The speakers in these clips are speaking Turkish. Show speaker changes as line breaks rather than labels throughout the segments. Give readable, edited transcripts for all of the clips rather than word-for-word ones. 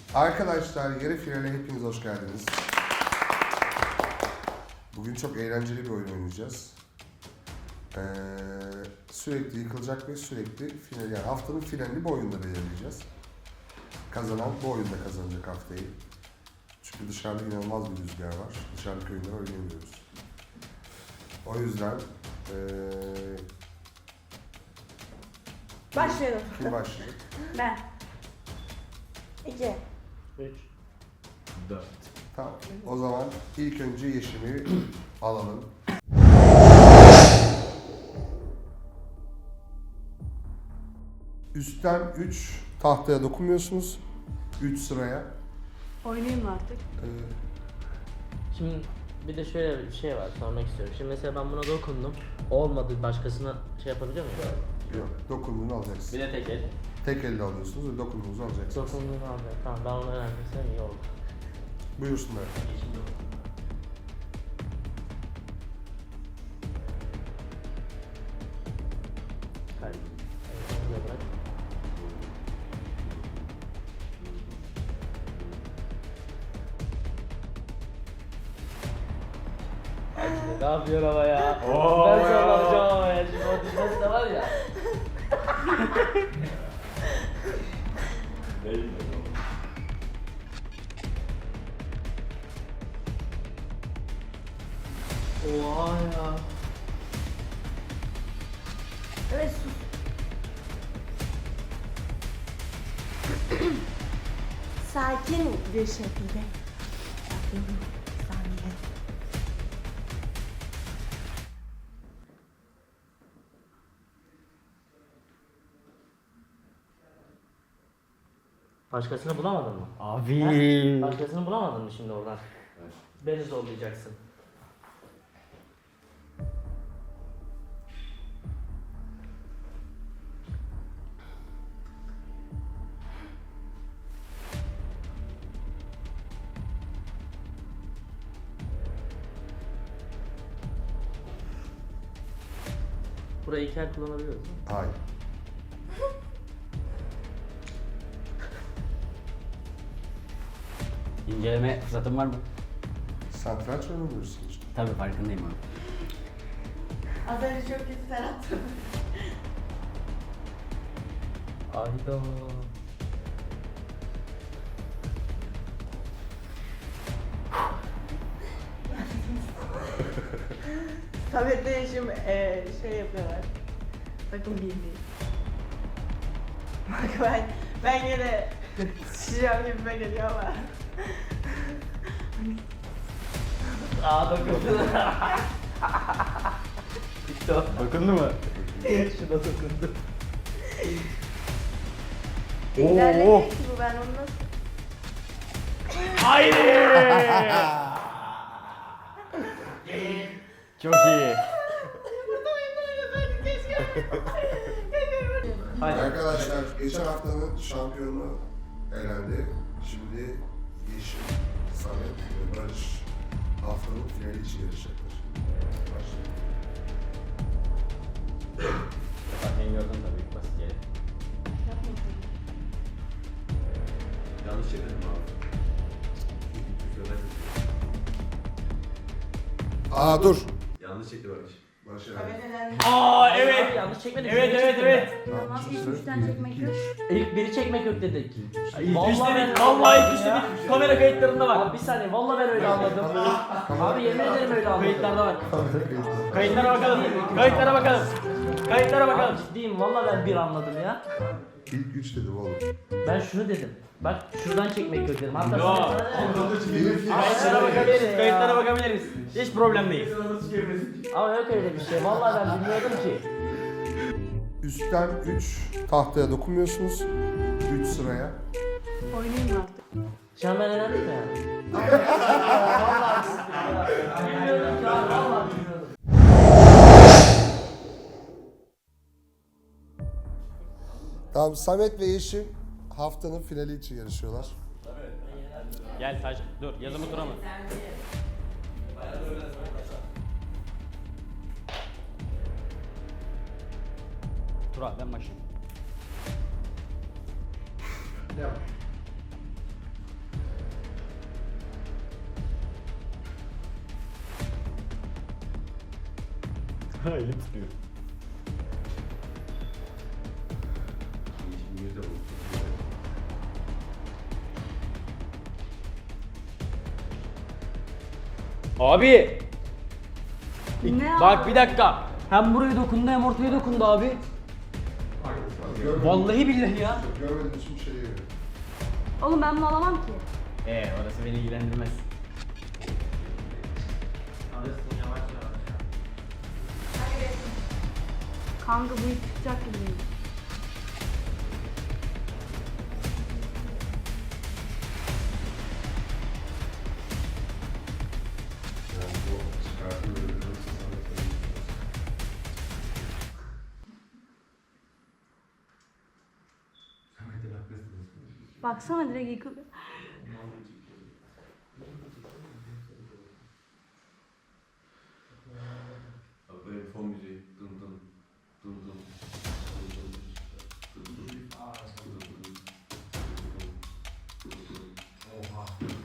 Arkadaşlar yarı finale hepiniz hoş geldiniz. Bugün çok eğlenceli bir oyun oynayacağız. Sürekli yıkılacak ve sürekli final, yani haftanın finalini bu oyunda belirleyeceğiz. Kazanan bu oyunda kazanacak haftayı. Çünkü dışarıda inanılmaz bir rüzgar var. Dışarıdaki oyunları oynayamıyoruz. O yüzden
Başlayalım.
kim başlayacak?
Ben. 2.
3 4
Tamam. O zaman ilk önce Yeşim'i alalım. Üstten 3 tahtaya dokunmuyorsunuz. 3 sıraya.
Oynayayım mı artık?
Şimdi bir de şöyle bir şey var, sormak istiyorum. Şimdi mesela ben buna dokundum. Olmadı, başkasına şey yapabiliyor muyum?
Yok, dokunduğunu alacaksın.
Bir de tek el.
Tek elle alıyorsunuz ve dokunduğunuzu alacaksınız.
Dokunduğunu alacağım. Tamam, ben onu öğrendiysem iyi oldu.
Buyursunlar.
Hadi. Onu da bırak. Ne yapıyor ama ya? Ben sallanacağım ama ya. Şimdi o düşmesi de var ya. Oha ya.
Evet sus. Sakin bir şekilde. Sakin bir saniye.
Başkasını bulamadın mı?
Abi.
Ha? Başkasını bulamadın mı şimdi oradan?
Evet.
Beni zorlayacaksın. Burayı iki el kullanabiliyoruz mu?
Hayır.
İnceleme fırsatın var mı?
Satranç oynamıyorsun işte.
Tabii farkındayım abi.
Az önce çok kötü sen attın.
Ayda.
Samet'le Yeşim şey yapıyorlar. Takım birliği. Bak ben yine şişeceğim gibime geliyor ama.
Aa dokundu. Bitti o.
Dokundu mu?
Şuna dokundu.
İlerleyecek ki bu, ben onu nasıl...
Haydi! Çok iyi.
Hadi.
Arkadaşlar geçen haftanın şampiyonu elendi. Şimdi Yeşim, Samet ve Barış haftanın finali için yarışacaklar. Başlayalım.
Ben gördüm tabii ilk basit yeri. Yanlış çevirdim abi.
Aa dur.
Yanlış çekti Barış.
Başlayalım.
Samet elendi.
Aa evet.
Yanlış çekmedik.
Evet.
Tamam, şimdi
Üçten çekmek yok.
İlk biri çekmek yok dedik.
İlk üç dedik.
ben-
Vallahi ilk üç dedik. Kamera kayıtlarında var.
Abi bir saniye, vallahi ben öyle anladım. Abi yemin ederim öyle anladım.
Kayıtlarda var. Kayıtlara bakalım. Kayıtlara bakalım. Kayıtlara bakalım.
Abi ciddiyim, vallahi ben bir anladım ya.
İlk 3 dedim oğlum.
Ben şunu dedim. Bak şuradan çekmek yok dedim. Hatta
Yo. Kayıtlara bakabiliriz. Kayıtlara bakabiliriz. Hiç problem değil.
Ama yok öyle bir şey. Vallahi ben bilmiyordum ki.
Üstten 3 tahtaya dokunmuyorsunuz. 3 sıraya.
Oynayayım mı artık?
Şu an ben elendim mi yani? Vallahi bilmiyordum ki abi. Vallahi bilmiyordum.
Tamam, Samet ve Yeşim haftanın finali için yarışıyorlar.
Gel Taş. Dur. Yazımı tura mı? Tura ben başlayayım. Elim tutuyor. Abi!
Ne
Bak
abi?
bir dakika. Hem buraya dokundu hem ortaya dokundu abi. Vallahi billahi ya.
Görmediğim için bir şey değil.
Oğlum ben bunu alamam ki.
Orası beni ilgilendirmez.
Alırsın yavaş yavaş.
Kanka bu ip çıkacak gibi değil.
Yani bu çıkartı böyle bir
Baksana direkt yıkılıyor.
Böyle fon müziği. Dın dın. Dın dın. Dın dın. Dın dın. Oha.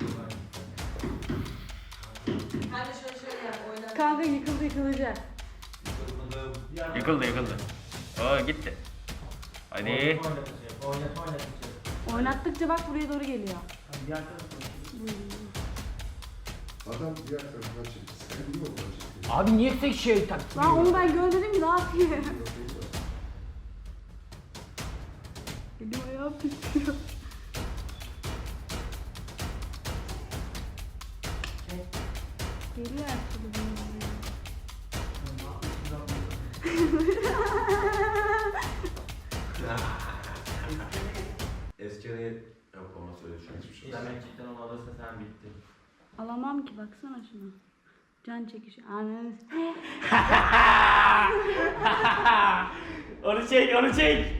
Hadi şöyle yap, oyna.
Kanka yıkılacak.
Yıkıldı. Oo gitti. Hadi.
Oynattıkça bak buraya doğru geliyor.
Adam diğer tarafından çekti. Sen niye oradan çektin?
Abi niye tek şey taktın?
Lan onu ben görmedim ki ne yapayım? Elim ayağım titriyor. Geliyor her türlü benim buraya.
Eski araya yok ama söyle şu an hiçbir şey.
Demek cidden onu alırsa sen bittin.
Alamam ki baksana şuna. Can çekişi. Ananı.
Onu çek.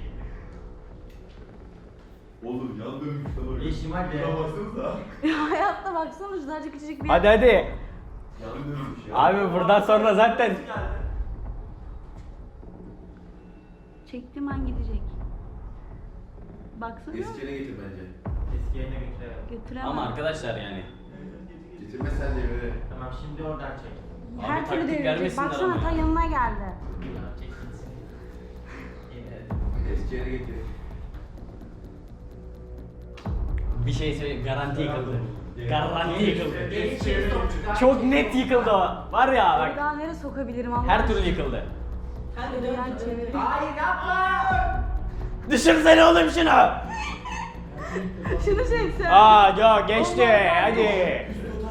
Oğlum yan dönmüş de bak.
Yeşim hadi.
Şuna baksanıza.
Ya hayatta baksana şurada küçücük bir.
Hadi.
Yan dönmüş ya.
Abi buradan sonra zaten
Çektim an gidecek. Baksana.
Eski yere getir bence.
Eski yerine götürelim.
Götüremem.
ama arkadaşlar yani.
Getirmezsen de evine.
Tamam şimdi oradan çek.
Her
Abi
türlü
taktik
devirecek.
vermesinler
Baksana
ama
ta
ya.
yanına geldi.
Çek gitsin.
Eski yere getir.
Bir şey söyleyeyim, garanti yıkıldı. Garanti yıkıldı.
Eski
Çok net yıkıldı o. Var ya
Bir
bak,
daha nereye sokabilirim Allah
her türlü yıkıldı.
Hadi yan çevir.
Hayır yapma.
Düşünsene oğlum şunu.
Şunu çeksen.
Aa yok geçti, hadi.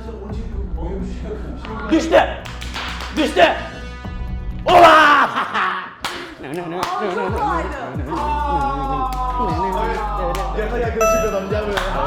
Düştü. Düştü. Ola!
Çok kolaydı.
Gel yaklaşık adam gel buraya.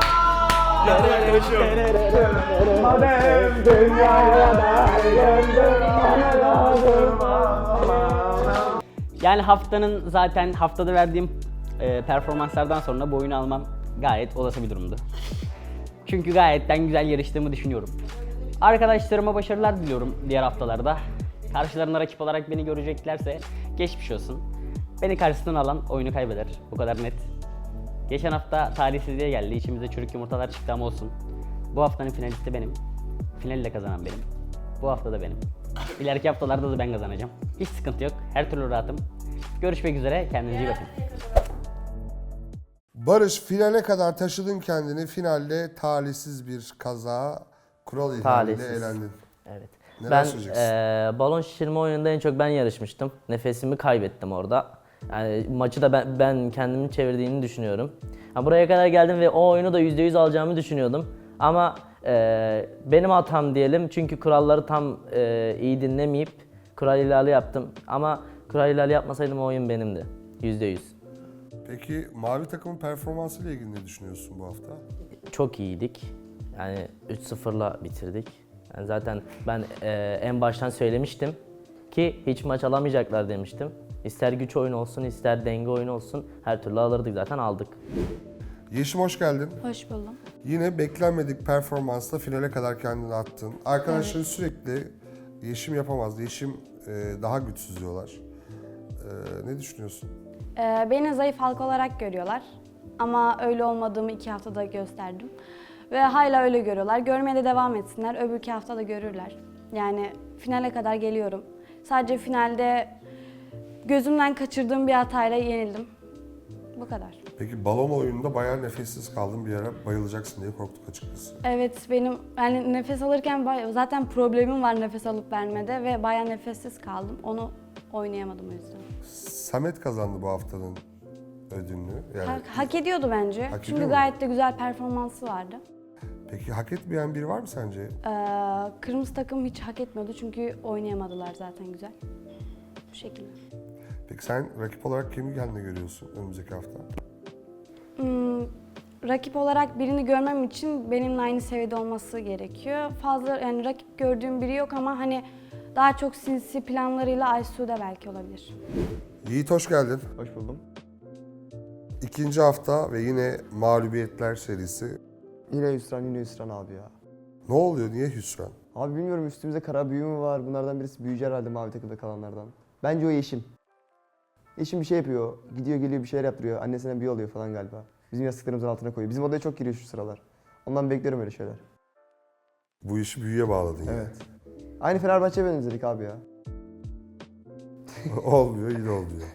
Yani haftanın zaten haftada verdiğim performanslardan sonra bu oyunu almam gayet olası bir durumdu. Çünkü gayetten güzel yarıştığımı düşünüyorum. Arkadaşlarıma başarılar diliyorum diğer haftalarda. Karşılarına rakip olarak beni göreceklerse geçmiş olsun. Beni karşısından alan oyunu kaybeder. Bu kadar net. Geçen hafta talihsizliğe geldi. İçimize çürük yumurtalar çıktı ama olsun. Bu haftanın finalisti benim. Finali de kazanan benim. Bu hafta da benim. İleriki haftalarda da ben kazanacağım. Hiç sıkıntı yok. Her türlü rahatım. Görüşmek üzere. Kendinize iyi bakın.
Barış, finale kadar taşıdın kendini. Finalde talihsiz bir kaza, kural ihlaliyle
Talihsiz.
elendin.
Evet.
Neler
Ben
söyleyeceksin?
balon şişirme oyununda en çok ben yarışmıştım. Nefesimi kaybettim orada. Yani maçı da ben kendimin çevirdiğini düşünüyorum. Ha, buraya kadar geldim ve o oyunu da %100 alacağımı düşünüyordum. Ama benim hatam diyelim çünkü kuralları tam iyi dinlemeyip kural ihlali yaptım. Ama kural ihlali yapmasaydım o oyun benimdi. %100.
Peki mavi takımın performansıyla ilgili ne düşünüyorsun bu hafta?
Çok iyiydik. Yani 3-0'la bitirdik. Yani zaten ben en baştan söylemiştim ki hiç maç alamayacaklar demiştim. İster güç oyunu olsun, ister denge oyunu olsun her türlü alırdık zaten aldık.
Yeşim hoş geldin.
Hoş buldum.
Yine beklenmedik performansla finale kadar kendini attın. Arkadaşların sürekli Yeşim yapamaz, Yeşim daha güçsüz diyorlar. Ne düşünüyorsun?
Beni zayıf halka olarak görüyorlar. Ama öyle olmadığımı 2 haftada gösterdim. Ve hala öyle görüyorlar. Görmeye de devam etsinler. Öbür 2 haftada görürler. Yani finale kadar geliyorum. Sadece finalde gözümden kaçırdığım bir hatayla yenildim. Bu kadar.
Peki balon oyununda bayağı nefessiz kaldın bir ara, bayılacaksın diye korktuk açıkçası.
Evet, benim yani nefes alırken zaten problemim var nefes alıp vermede ve bayağı nefessiz kaldım. Onu oynayamadım o yüzden.
Samet kazandı bu haftanın ödülünü. Yani
Hak ediyordu bence.
Hak
Çünkü
ediyor mu?
gayet de güzel performansı vardı.
peki hak etmeyen biri var mı sence?
Kırmızı takım hiç hak etmiyordu çünkü oynayamadılar zaten güzel. Bu şekilde.
Peki sen rakip olarak kimi kendine görüyorsun önümüzdeki hafta?
Rakip olarak birini görmem için benimle aynı seviyede olması gerekiyor. Fazla yani rakip gördüğüm biri yok ama hani daha çok sinsi planlarıyla Aysu da belki olabilir.
Yiğit hoş geldin.
Hoş buldum.
İkinci hafta ve yine mağlubiyetler serisi.
Yine hüsran abi ya.
Ne oluyor? Niye hüsran?
Abi bilmiyorum üstümüzde kara büyü mü var? Bunlardan birisi büyücü herhalde mavi takımda kalanlardan. Bence o Yeşim. Yeşim bir şey yapıyor. Gidiyor geliyor bir şeyler yaptırıyor. Annesine büyü oluyor falan galiba. Bizim yastıklarımızın altına koyuyor. Bizim odaya çok giriyor şu sıralar. Ondan bekliyorum öyle şeyler.
Bu işi büyüye bağladın yani.
Evet. Aynı Fenerbahçe'ye benzedik abi ya.
Olmuyor, yine olmuyor.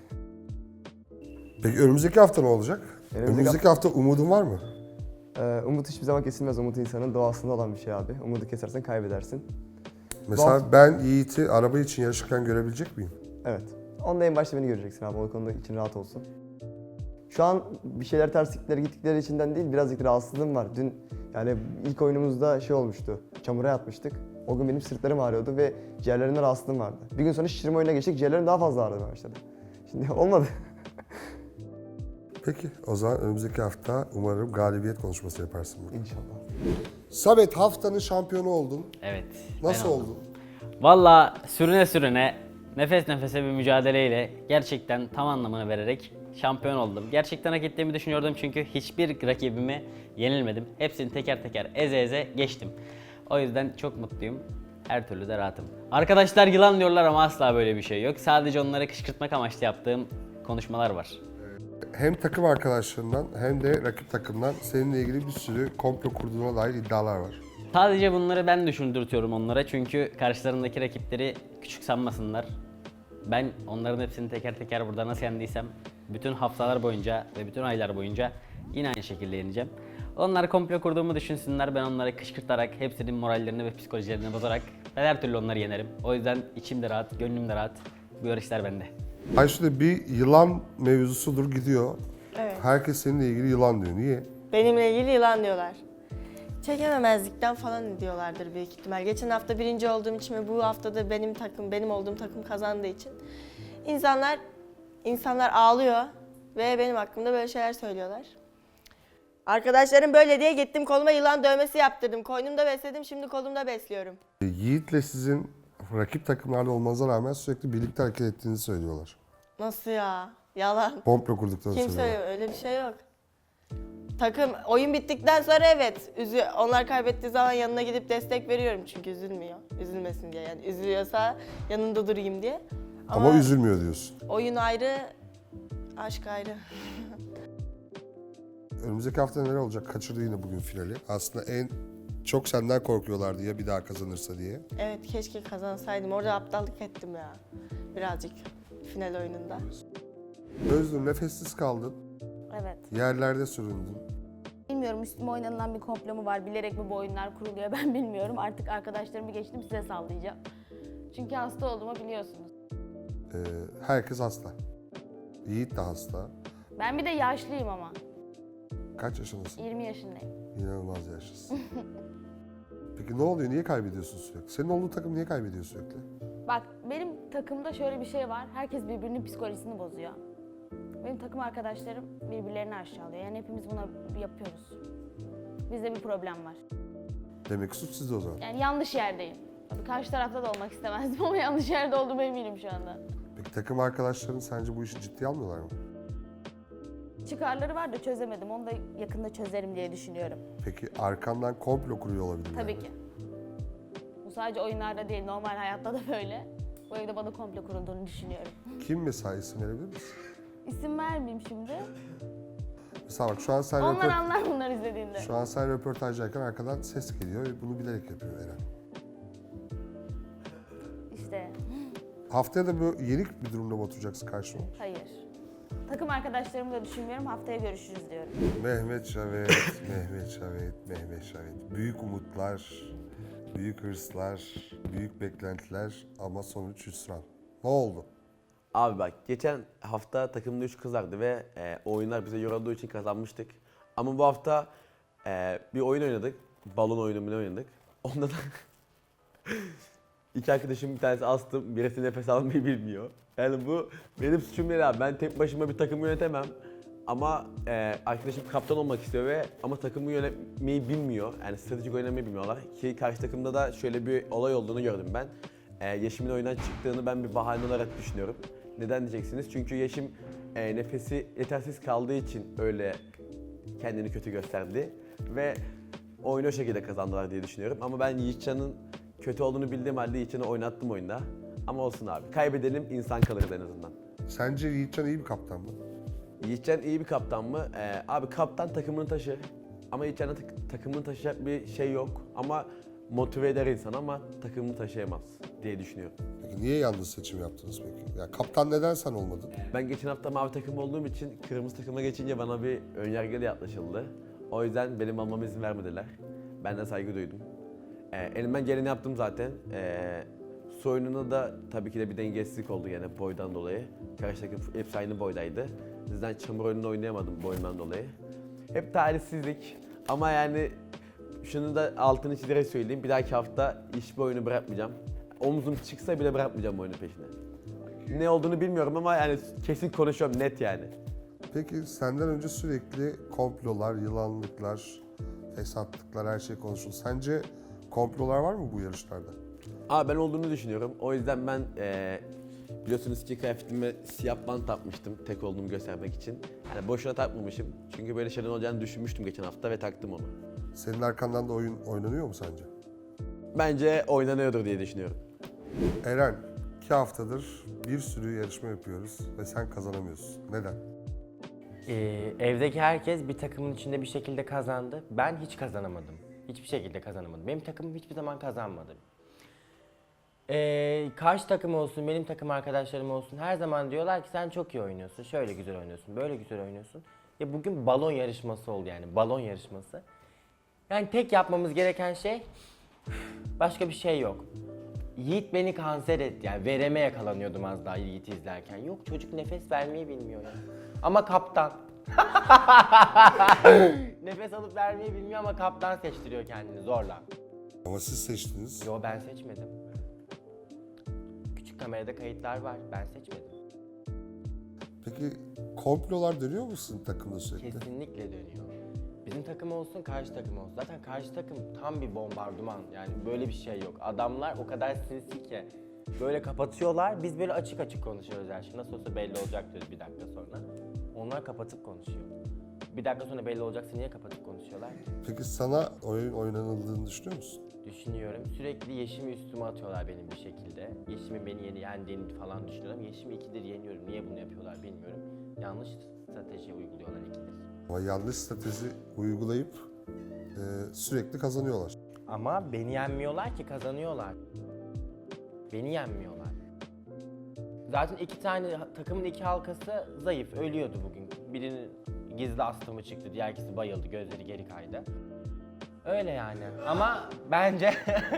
Peki önümüzdeki hafta ne olacak? Önümüzdeki hafta umudun var mı?
Umut hiçbir zaman kesilmez. Umut insanın doğasında olan bir şey abi. Umudu kesersen kaybedersin.
Mesela ben Yiğit'i araba için yarışırken görebilecek miyim?
Evet. Onda en başta beni göreceksin abi. O konuda için rahat olsun. Şu an bir şeyler ters gittikleri içinden değil, birazcık rahatsızlığım var. Dün yani ilk oyunumuzda şey olmuştu, çamura yatmıştık. O gün benim sırtlarım ağrıyordu ve ciğerlerimde rahatsızlığım vardı. Bir gün sonra şişirme oyununa geçtik, ciğerlerim daha fazla ağrımaya başladı. Şimdi olmadı.
Peki, o zaman önümüzdeki hafta umarım galibiyet konuşması yaparsın burada.
İnşallah.
Samet, haftanın şampiyonu oldun.
Evet.
Nasıl
ben oldum.
oldun?
Valla sürüne sürüne, nefes nefese bir mücadeleyle gerçekten tam anlamını vererek şampiyon oldum. Gerçekten hak ettiğimi düşünüyordum çünkü hiçbir rakibime yenilmedim. Hepsini teker teker eze eze geçtim. O yüzden çok mutluyum. Her türlü de rahatım. Arkadaşlar yılan diyorlar ama asla böyle bir şey yok. Sadece onları kışkırtmak amaçlı yaptığım konuşmalar var.
Hem takım arkadaşlarından hem de rakip takımdan seninle ilgili bir sürü komplo kurduğuna dair iddialar var.
Sadece bunları ben düşündürtüyorum onlara çünkü karşılarındaki rakipleri küçük sanmasınlar. Ben onların hepsini teker teker burada nasıl yendiysem bütün haftalar boyunca ve bütün aylar boyunca yine aynı şekilde yeneceğim. Onlar komplo kurduğumu düşünsünler, ben onları kışkırtarak, hepsinin morallerini ve psikolojilerini bozarak ben her türlü onları yenerim. O yüzden içim de rahat, gönlüm de rahat. Bu yarışlar bende.
Ayşe bir yılan mevzusudur gidiyor.
Evet.
Herkes seninle ilgili yılan diyor. Niye?
Benimle ilgili yılan diyorlar. Çekememezlikten falan diyorlardır büyük ihtimal. Geçen hafta birinci olduğum için ve bu hafta da benim olduğum takım kazandığı için insanlar ağlıyor ve benim hakkımda böyle şeyler söylüyorlar. Arkadaşlarım böyle diye gittim koluma yılan dövmesi yaptırdım. Koynumda besledim, şimdi kolumda besliyorum.
Yiğit'le sizin rakip takımlarda olmanıza rağmen sürekli birlikte hareket ettiğinizi söylüyorlar.
Nasıl ya? Yalan.
Komplo kurduklarını
Kim
söylüyorlar.
söylüyor? Öyle bir şey yok. Takım oyun bittikten sonra evet. Onlar kaybettiği zaman yanına gidip destek veriyorum çünkü üzülmüyor. Üzülmesin diye yani. Üzülüyorsa yanında durayım diye.
Ama üzülmüyor diyorsun.
Oyun ayrı, aşk ayrı.
Önümüzdeki hafta neler olacak? Kaçırdı yine bugün finali. Aslında en çok senden korkuyorlardı ya bir daha kazanırsa diye.
Evet keşke kazansaydım. Orada aptallık ettim ya. Birazcık final oyununda.
Özgür nefessiz kaldın.
Evet.
Yerlerde süründün.
Bilmiyorum üstüme oynanılan bir komplo mu var, bilerek mi bu oyunlar kuruluyor ben bilmiyorum. Artık arkadaşlarımı geçtim size sallayacağım. Çünkü hasta olduğumu biliyorsunuz.
Herkes hasta. Yiğit de hasta.
Ben bir de yaşlıyım ama.
Kaç yaşındasın?
20 yaşındayım.
İnanılmaz yaşlısın. Peki ne oluyor? Niye kaybediyorsun sürekli? Senin olduğun takım niye kaybediyor sürekli?
Bak benim takımda şöyle bir şey var. Herkes birbirinin psikolojisini bozuyor. Benim takım arkadaşlarım birbirlerini aşağılıyor. Yani hepimiz bunu yapıyoruz. Bizde bir problem var.
Demek ki suç sizde o zaman.
Yani yanlış yerdeyim. Tabii karşı tarafta da olmak istemezdim ama yanlış yerde olduğuma eminim şu anda.
Peki takım arkadaşların sence bu işi ciddiye almıyorlar mı?
Çıkarları var da çözemedim. Onu da yakında çözerim diye düşünüyorum.
Peki arkandan komplo kuruyor olabilirler
Tabii
mi?
ki. Bu sadece oyunlarda değil, normal hayatta da böyle. Bu evde bana komplo kurulduğunu düşünüyorum.
Kim mesela isim verebilir misin?
İsim vermeyeyim şimdi.
Mesela bak şu an sen
Onlar anlar bunlar izlediğinde.
Şu an sen röportajdayken arkadan ses geliyor ve bunu bilerek yapıyor Eren.
İşte.
Haftaya da böyle yenik bir durumda mı oturacaksın karşıma?
Hayır. Takım arkadaşlarımı da düşünmüyorum. Haftaya görüşürüz diyorum.
Mehmet Şavet, Mehmet Şavet, Mehmet Şavet. Büyük umutlar, büyük hırslar, büyük beklentiler ama sonuç hüsran. Ne oldu?
Abi bak geçen hafta takımda 3 kız vardı ve o oyunlar bize yorulduğu için kazanmıştık. Ama bu hafta bir oyun oynadık. Balon oyunu mu ne oynadık. Onda da iki arkadaşım bir tanesi astım, birisi nefes almayı bilmiyor. Yani bu benim suçum değil abi. Ben tek başıma bir takımı yönetemem. Ama arkadaşım kaptan olmak istiyor ve ama takımı yönetmeyi bilmiyor. Yani stratejik oynamayı bilmiyorlar. Ki karşı takımda da şöyle bir olay olduğunu gördüm ben. Yeşim'in oyundan çıktığını ben bir bahane olarak düşünüyorum. Neden diyeceksiniz? Çünkü Yeşim nefesi yetersiz kaldığı için öyle kendini kötü gösterdi. Ve oyunu o şekilde kazandılar diye düşünüyorum. Ama ben Yiğitcan'ın kötü olduğunu bildiğim halde Yiğitcan'ı oynattım oyunda. Ama olsun abi. Kaybedelim, insan kalırız en azından.
Sence Yiğitcan iyi bir kaptan mı?
Yiğitcan iyi bir kaptan mı? Abi kaptan takımını taşır. Ama Yiğitcan'ın takımını taşıyacak bir şey yok. Ama motive eder insan ama takımını taşıyamaz diye düşünüyorum.
Peki niye yanlış seçim yaptınız peki? Ya kaptan neden sen olmadın?
Ben geçen hafta mavi takım olduğum için kırmızı takıma geçince bana bir önyargıyla yaklaşıldı. O yüzden benim almama izin vermediler. Ben de saygı duydum. Elimden geleni yaptım zaten. Su oyununda da tabii ki de bir dengesizlik oldu yani boydan dolayı. Karşı takım hepsi aynı boydaydı. Sizden çamur oyununu oynayamadım boyumdan dolayı. Hep talihsizlik ama yani şunu da altını çizerek söyleyeyim. Bir dahaki hafta hiçbir oyunu bırakmayacağım. Omzum çıksa bile bırakmayacağım oyunun peşine. Ne olduğunu bilmiyorum ama yani kesin konuşuyorum net yani.
Peki senden önce sürekli komplolar, yılanlıklar, fesatlıklar her şey konuşuldu. Sence komplolar var mı bu yarışlarda?
Ben olduğunu düşünüyorum. O yüzden ben biliyorsunuz ki kıyafetime siyah bant takmıştım tek olduğumu göstermek için. Yani boşuna takmamışım. Çünkü böyle şeyler olacağını düşünmüştüm geçen hafta ve taktım onu.
Senin arkandan da oyun oynanıyor mu sence?
Bence oynanıyordur diye düşünüyorum.
Eren, 2 haftadır bir sürü yarışma yapıyoruz ve sen kazanamıyorsun. Neden?
Evdeki herkes bir takımın içinde bir şekilde kazandı. Ben hiç kazanamadım. Hiçbir şekilde kazanamadım. Benim takımım hiçbir zaman kazanmadı. Karşı takım olsun, benim takım arkadaşlarım olsun her zaman diyorlar ki sen çok iyi oynuyorsun, şöyle güzel oynuyorsun, böyle güzel oynuyorsun. Ya bugün balon yarışması oldu yani, balon yarışması. Yani tek yapmamız gereken şey, başka bir şey yok. Yiğit beni kanser etti yani, vereme yakalanıyordum az daha Yiğit'i izlerken. Yok çocuk nefes vermeyi bilmiyor ya. Ama kaptan. Nefes alıp vermeyi bilmiyor ama kaptan seçtiriyor kendini zorla.
Ama siz seçtiniz.
Yo ben seçmedim. Küçük kamerada kayıtlar var. Ben seçmedim.
Peki komplolar dönüyor musun takımda sürekli?
Kesinlikle dönüyor. Bizim takım olsun, karşı takım olsun. Zaten karşı takım tam bir bombardıman. Yani böyle bir şey yok. Adamlar o kadar sinsi ki böyle kapatıyorlar. Biz böyle açık açık konuşuyoruz her şey. Nasıl olsa belli olacak diyoruz bir dakika sonra. Onlar kapatıp konuşuyor. Bir dakika sonra belli olacaksa niye kapatıp konuşuyorlar ki?
Peki sana oyun oynanıldığını düşünüyor musun?
Düşünüyorum. Sürekli Yeşim'i üstüme atıyorlar benim bir şekilde. Yeşim'in beni yendiğini falan düşünüyorum. Yeşim'i 2'dir yeniyorum. Niye bunu yapıyorlar bilmiyorum. Yanlış strateji uyguluyorlar 2'dir.
Ama yanlış strateji uygulayıp sürekli kazanıyorlar.
Ama beni yenmiyorlar ki kazanıyorlar. Beni yenmiyorlar. Zaten takımın iki halkası zayıf, ölüyordu bugün. Birinin gizli astımı çıktı, diğer ikisi bayıldı, gözleri geri kaydı. Öyle yani. Ama bence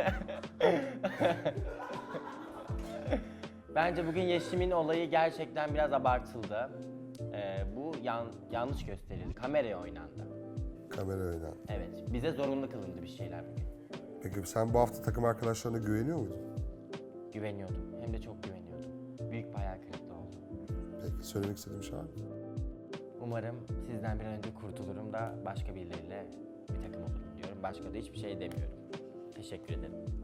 bence bugün Yeşim'in olayı gerçekten biraz abartıldı. Bu yanlış gösterildi. Kameraya oynandı.
Kamera oynan.
Evet. Bize zorunlu kılındı bir şeyler bugün.
Peki sen bu hafta takım arkadaşlarına güveniyor muydun?
Güveniyordum. Hem de çok güveniyordum. Büyük bir hayal kırıklığı oldu.
Peki söylemek istediğim şey var mı?
Umarım sizden bir an önce kurtulurum da başka birileriyle bir takım olurum diyorum. Başka da hiçbir şey demiyorum. Teşekkür ederim.